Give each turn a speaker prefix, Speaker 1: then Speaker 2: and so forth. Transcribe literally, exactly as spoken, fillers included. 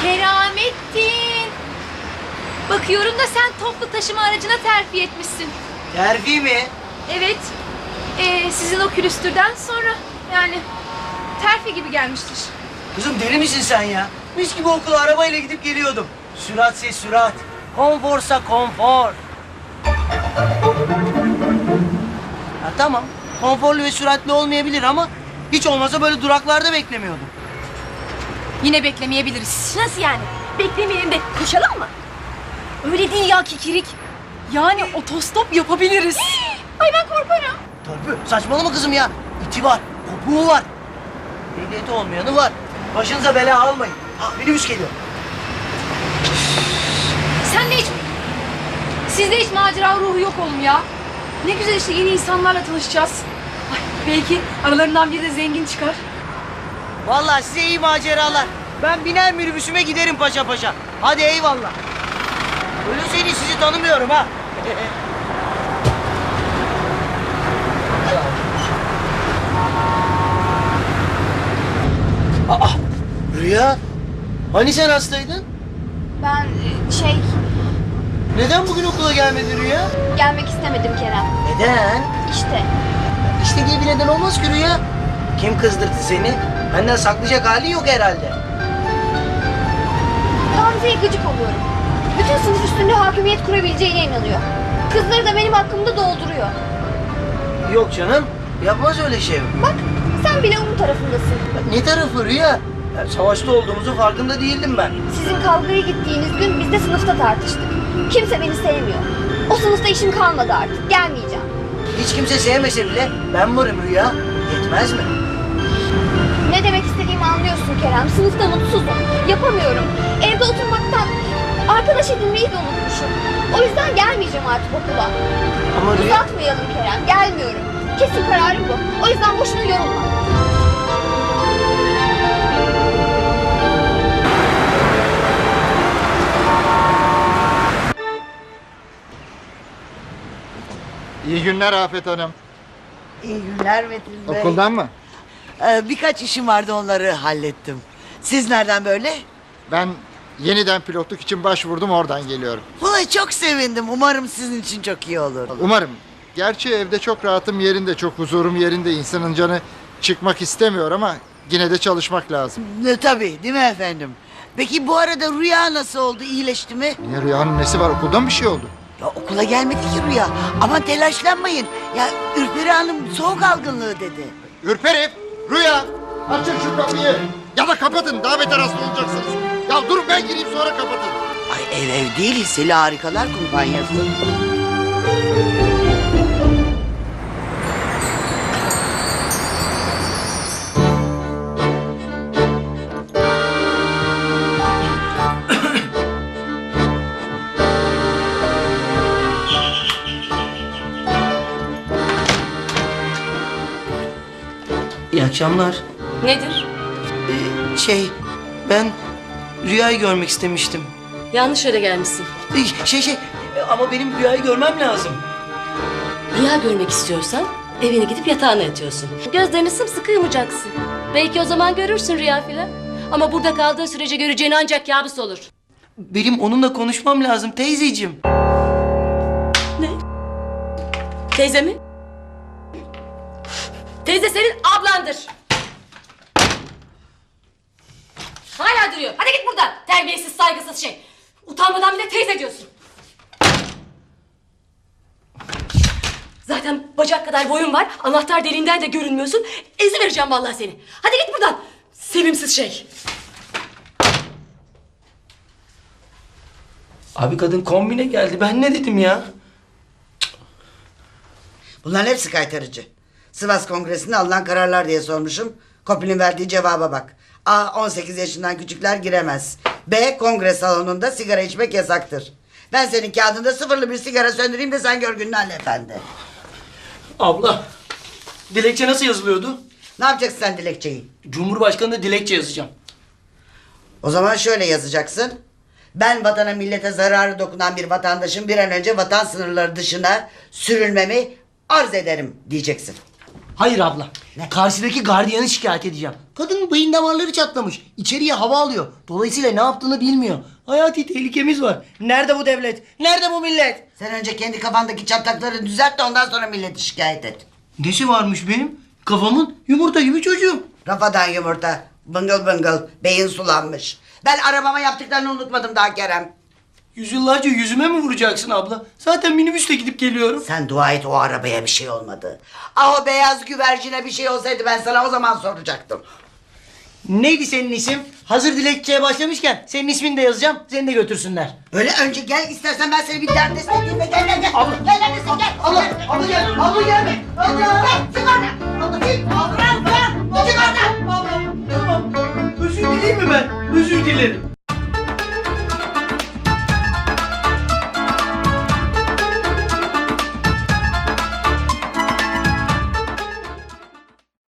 Speaker 1: Keramettin. Bakıyorum da sen toplu taşıma aracına terfi etmişsin.
Speaker 2: Terfi mi?
Speaker 1: Evet. Ee, sizin o külüstürden sonra yani terfi gibi gelmiştir.
Speaker 2: Kızım deli misin sen ya? Mis gibi okula arabayla gidip geliyordum. Süratse sürat. Konforsa konfor. Ha, tamam. Konforlu ve süratli olmayabilir ama hiç olmazsa böyle duraklarda beklemiyordum.
Speaker 1: Yine beklemeyebiliriz. Nasıl yani? Beklemeyelim de koşalım mı? Öyle değil ya kikirik. Yani otostop yapabiliriz. Ay ben korkarım.
Speaker 2: Törpü saçmalama kızım ya. İti var, kopuğu var. Ehliyeti olmayanı var. Başınıza bela almayın. Ha, minibüs geliyor.
Speaker 1: Sen de hiç... Sizde hiç macera ruhu yok oğlum ya. Ne güzel işte yeni insanlarla tanışacağız. Ay, belki aralarından biri de zengin çıkar.
Speaker 2: Vallahi size iyi maceralar. Ben biner minibüsüme giderim paşa paşa. Hadi eyvallah. Öyle seni sizi tanımıyorum ha. Aa, Rüya. Hani sen hastaydın?
Speaker 3: Ben e, şey
Speaker 2: Neden bugün okula gelmedin Rüya?
Speaker 3: gelmek istemedim Kerem.
Speaker 2: Neden?
Speaker 3: İşte
Speaker 2: İşte diye bir neden olmaz ki Rüya. Kim kızdırdı seni? Benden saklayacak hali yok herhalde.
Speaker 3: Gamze'ye gıcık oluyorum. Bütün sınıf üstünde hakimiyet kurabileceğine inanıyor. Kızları da benim hakkımda dolduruyor.
Speaker 2: Yok canım. Yapmaz öyle şey.
Speaker 3: Bak sen bile onun tarafındasın.
Speaker 2: Ne tarafı Rüya? Ya, savaşta olduğumuzun farkında değildim ben.
Speaker 3: Sizin kavgaya gittiğiniz gün biz de sınıfta tartıştık. Kimse beni sevmiyor. O sınıfta işim kalmadı artık. Gelmeyeceğim.
Speaker 2: Hiç kimse sevmese bile ben varım Rüya. Yetmez mi?
Speaker 3: Ne demek istediğimi anlıyorsun Kerem. Sınıfta mutsuzum. Yapamıyorum. Evde oturmaktan arkadaş edinmeyi de unutmuşum. O yüzden gelmeyeceğim artık okula.
Speaker 2: Ama Rüya...
Speaker 3: Uzatmayalım Kerem. Gelmiyorum. Kesin kararım bu. O yüzden boşuna yorulma.
Speaker 4: İyi günler Afet Hanım.
Speaker 5: İyi günler Metin Bey.
Speaker 4: Okuldan mı?
Speaker 5: Ee, birkaç işim vardı, onları hallettim. Siz nereden böyle?
Speaker 4: Ben yeniden pilotluk için başvurdum, oradan geliyorum.
Speaker 5: Vallahi çok sevindim. Umarım sizin için çok iyi olur.
Speaker 4: Umarım. Gerçi evde çok rahatım yerinde, çok huzurum yerinde. İnsanın canı çıkmak istemiyor ama yine de çalışmak lazım.
Speaker 5: Ne, tabii değil mi efendim? Peki bu arada Rüya nasıl oldu? İyileşti mi?
Speaker 4: Niye, Rüyanın nesi var? Okuldan bir şey oldu.
Speaker 5: Ya okula gelmedi ki Rüya. Ama telaşlanmayın. Ya Ürperi Hanım soğuk algınlığı dedi.
Speaker 4: Ürperif, Rüya, açın şu kapıyı. Ya da kapatın, daha beter hasta olacaksınız. Ya durun ben gireyim sonra kapatın.
Speaker 5: Ay ev ev değil, Hisseli Harikalar Kumpanyası.
Speaker 2: İyi akşamlar.
Speaker 6: Nedir?
Speaker 2: Ee, şey, ben Rüya'yı görmek istemiştim.
Speaker 6: Yanlış yere gelmişsin.
Speaker 2: Ee, Şey şey, e, ama benim Rüya'yı görmem lazım.
Speaker 6: Rüya görmek istiyorsan evine gidip yatağına yatıyorsun. Gözlerini sımsıkı yumacaksın. Belki o zaman görürsün rüya filan. Ama burada kaldığı sürece göreceğin ancak kabus olur.
Speaker 2: Benim onunla konuşmam lazım teyzeciğim.
Speaker 6: Ne? Teyze mi? Teyze senin ablandır. Hala duruyor. Hadi git buradan. Terbiyesiz, saygısız şey. Utanmadan bile teyze diyorsun. Zaten bacak kadar boyun var. Anahtar deliğinden de görünmüyorsun. Ezivereceğim vallahi seni. Hadi git buradan. Sevimsiz şey.
Speaker 2: Abi kadın kombine geldi. Ben ne dedim ya?
Speaker 5: Bunların hepsi kaytarıcı. Sivas Kongresi'nde alınan kararlar diye sormuşum. Kopil'in verdiği cevaba bak. A. on sekiz yaşından küçükler giremez. B. Kongre salonunda sigara içmek yasaktır. Ben senin kağıdında sıfırlı bir sigara söndüreyim de sen gör gününü Ali Efendi.
Speaker 2: Abla, dilekçe nasıl yazılıyordu?
Speaker 5: Ne yapacaksın sen dilekçeyi?
Speaker 2: Cumhurbaşkanı'na dilekçe yazacağım.
Speaker 5: O zaman şöyle yazacaksın. Ben vatana millete zararı dokunan bir vatandaşın bir an önce vatan sınırları dışına sürülmemi arz ederim diyeceksin.
Speaker 2: Hayır abla. Karşıdaki gardiyanı şikayet edeceğim. Kadının beyin damarları çatlamış. İçeriye hava alıyor. Dolayısıyla ne yaptığını bilmiyor. Hayati tehlikemiz var. Nerede bu devlet? Nerede bu millet?
Speaker 5: Sen önce kendi kafandaki çatlakları düzelt de ondan sonra milleti şikayet et.
Speaker 2: Nesi varmış benim? Kafamın yumurta gibi çocuğum.
Speaker 5: Rafadan yumurta. Bıngıl bıngıl. Beyin sulanmış. Ben arabama yaptıklarını unutmadım daha Kerem.
Speaker 2: Yüzyıllarca yüzüme mi vuracaksın abla? Zaten minibüsle gidip geliyorum.
Speaker 5: Sen dua et o arabaya bir şey olmadı. Ah o beyaz güvercine bir şey olsaydı ben sana o zaman soracaktım.
Speaker 2: Neydi senin isim? Hazır dilekçeye başlamışken senin ismini de yazacağım. Seni de götürsünler.
Speaker 5: Öyle önce gel istersen ben seni bir dert istediğim ve gel gel gel.
Speaker 2: Abla.
Speaker 5: Gel neredesin gel.
Speaker 2: Abla, abla gel, abla gel. Abla.
Speaker 5: Gel çık oradan. Abla çık. Abla çık oradan.
Speaker 2: Abla, tamam. Özür dileyim mi ben? Özür dilerim.